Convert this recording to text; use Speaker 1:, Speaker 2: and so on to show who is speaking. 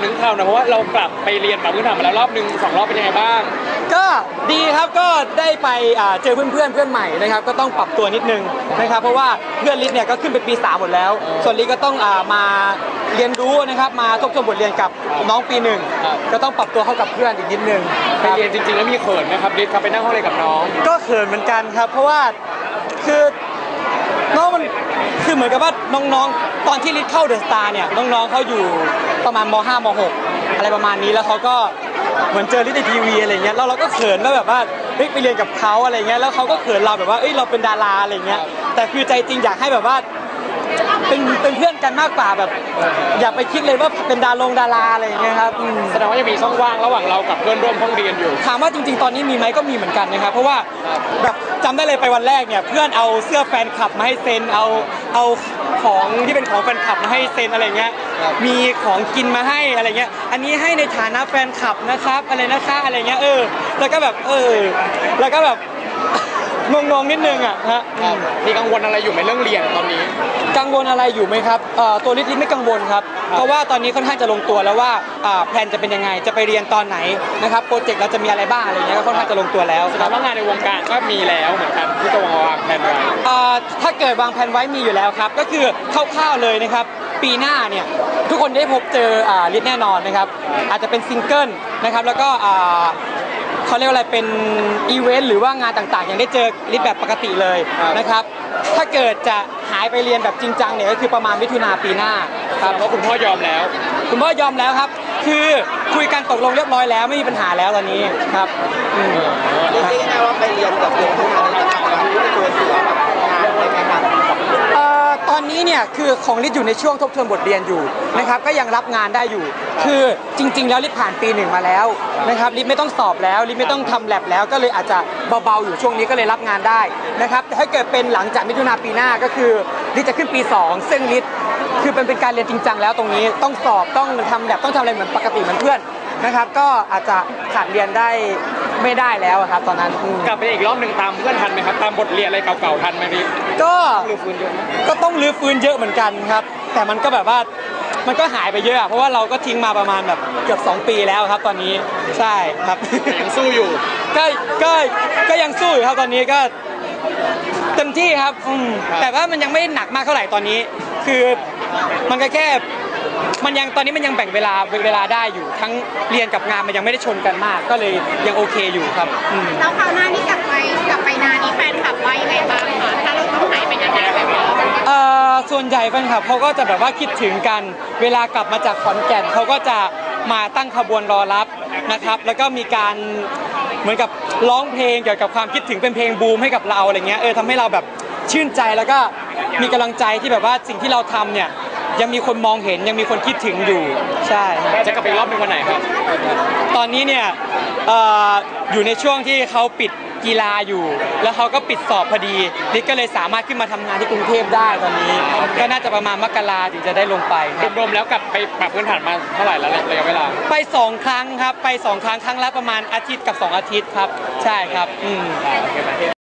Speaker 1: ถึงข่าวนะเพราะว่าเรากลับไปเรียนปรับพื้นฐานมาแล้วรอบนึง2 รอบเป็นยังไงบ้าง
Speaker 2: ก็ดีครับก็ได้ไปเจอเพื่อนใหม่นะครับก็ต้องปรับตัวนิดนึงนะครับเพราะว่าเพื่อนลิศเนี่ยก็ขึ้นเป็นปี3หมดแล้วส่วนลิศก็ต้องมาเรียนรู้นะครับมาทบทวนบทเรียนกับน้องปี1ก็ต้องปรับตัวเข้ากับเพื่อนอีกนิดนึง
Speaker 1: ไปเรียนจริงๆแล้วมีเขินไหมครับลิศครับไปนั่งห้องเรียนกับน้อง
Speaker 2: ก็เขินเหมือนกันครับเพราะว่าคือน้องมันคือเหมือนกับว่าน้องๆตอนที่ลิศเข้าเดอะสตาร์เนี่ยน้องๆเขาอยู่ประมาณม.5 ม.6 อะไรประมาณนี้แล้วเขาก็เหมือนเจอลิศในทีวีอะไรเงี้ยแล้วเราก็เขินว่าแบบว่าเฮ้ยไปเรียนกับเขาอะไรเงี้ยแล้วเขาก็เขินเราแบบว่าเอ้ยเราเป็นดาราอะไรเงี้ยแต่คือใจจริงอยากให้แบบว่าเป็นเพื่อนกันมากกว่าแบบอย่าไปคิดเลยว่าเป็นดาราอะไรอย่างเงี้ยครับ
Speaker 1: แสดงว่ายังมีช่องว่างระหว่างเรากับเพื่อนร่วมห้องเรียนอยู่
Speaker 2: ถามว่าจริงๆตอนนี้มีไหมก็มีเหมือนกันนะครับเพราะว่าแบบจำได้เลยไปวันแรกเนี่ยเพื่อนเอาเสื้อแฟนคลับมาให้เซ็นเอาของที่เป็นของแฟนคลับมาให้เซ็นอะไรเงี้ยมีของกินมาให้อะไรเงี้ยอันนี้ให้ในฐานะแฟนคลับนะครับอะไรนะคะอะไรเงี้ยแล้วก็แบบแล้วก็แบบงงนิดนึงอ่ะฮะ
Speaker 1: มีกังวลอะไรอยู่ไหมเรื่องเรียนตอนนี้
Speaker 2: กังวลอะไรอยู่ไหมครับตัวลิศไม่กังวลครับเพราะว่าตอนนี้ค่อนข้างจะลงตัวแล้วว่าแพลนจะเป็นยังไงจะไปเรียนตอนไหนนะครับโปรเจกต์เราจะมีอะไรบ้างอะไรเงี้ยก็ค่อนข้างจะลงตัวแล้ว
Speaker 1: แสดงว่างานในวงการก็มีแล้วเหมือนกันที่จะวางแผนไว้
Speaker 2: ถ้าเกิดวางแผนไว้มีอยู่แล้วครับก็คือคร่าวๆเลยนะครับปีหน้าเนี่ยทุกคนได้พบเจอลิศแน่นอนนะครับอาจจะเป็นซิงเกิลนะครับแล้วก็เขาเรียกว่าอะไรเป็นอีเวนต์หรือว่างานต่างๆยังได้เจอลิศแบบปกติเลยนะครับถ้าเกิดจะหายไปเรียนแบบจริงจังเนี่ยก็คือประมาณมิถุนาปีหน้า
Speaker 1: ครับเพราะคุณพ่อยอมแล้ว
Speaker 2: คุณพ่อยอมแล้วครับคือคุยกันตกลงเรียบร้อยแล้วไม่มีปัญหาแล้วตอนนี้ครับ
Speaker 3: เรียกได้ไงว่าไปเรียนกับเรียนที่งานนี้จะทำอะไรที่ตัวเสือแบบงานอะไรไหมครับ
Speaker 2: ตอนนี้เนี่ยคือของลิศอยู่ในช่วงทบทวนบทเรียนอยู่นะครับก็ยังรับงานได้อยู่คือจริงๆแล้วลิศผ่านปี1มาแล้วนะครับลิศไม่ต้องสอบแล้วลิศไม่ต้องทำแลบแล้วก็เลยอาจจะเบาๆอยู่ช่วงนี้ก็เลยรับงานได้นะครับแต่ถ้าเกิดเป็นหลังจากมิถุนาปีหน้าก็คือลิศจะขึ้นปี2ซึ่งลิศคือเป็นการเรียนจริงจังแล้วตรงนี้ต้องสอบต้องทำแลบต้องทำอะไรเหมือนปกติเหมือนเพื่อนนะครับก็อาจจะขาดเรียนได้ไม่ได้แล้วครับตอนนั้น
Speaker 1: กลับไปอีกรอบหนึ่งตามเพื่อนทันไหมครับตามบทเรียนอะไรเก่าๆทันไหมพี่
Speaker 2: ก็ต้องรื้อฟื้นเยอะเหมือนกันครับแต่มันก็แบบว่ามันก็หายไปเยอะเพราะว่าเราก็ทิ้งมาประมาณแบบเกือบ2 ปีแล้วครับตอนนี้ใช่ครับ
Speaker 1: ยังสู้อยู่
Speaker 2: ก็ยังสู้อยู่ครับตอนนี้ก็เต็มที่ครับแต่ว่ามันยังไม่หนักมากเท่าไหร่ตอนนี้คือมันก็แค่มันยังตอนนี้มันยังแบ่งเวลาได้อยู่ทั้งเรียนกับงานมันยังไม่ได้ชนกันมากก็เลยยังโอเคอยู่ครับ
Speaker 4: แล้วคราวหน้านี่กลับไปนานนี้แฟนคลับว่ายังไงบ้างคะถ้าเราต้องหายไปนานๆแบบนี้
Speaker 2: ส่วนใหญ่แฟนคลับเขาก็จะแบบว่าคิดถึงกันเวลากลับมาจากขอนแก่นเขาก็จะมาตั้งขบวนรอรับนะครับแล้วก็มีการเหมือนกับร้องเพลงเกี่ยวกับความคิดถึงเป็นเพลงบูมให้กับเราอะไรเงี้ยทำให้เราแบบชื่นใจแล้วก็มีกำลังใจที่แบบว่าสิ่งที่เราทำเนี่ยยังมีคนมองเห็นยังมีคนคิดถึงอยู่ใช่
Speaker 1: จะกลับไปรอบเป็นวันไหนครับ
Speaker 2: ตอนนี้เนี่ยอยู่ในช่วงที่เขาปิดกีฬาอยู่แล้วเขาก็ปิดสอบพอดีลิศก็เลยสามารถขึ้นมาทำงานที่กรุงเทพได้ตอนนี้ก็น่าจะประมาณมกราถึงจะได้ลงไป
Speaker 1: รวมๆแล้วกลับไปปรับพื้นฐานมาเท่าไหร่แล้วระยะเวลา
Speaker 2: ไป2 ครั้งครับไป2 ครั้งครั้งละประมาณอาทิตย์กับ2 อาทิตย์ครับใช่ครับ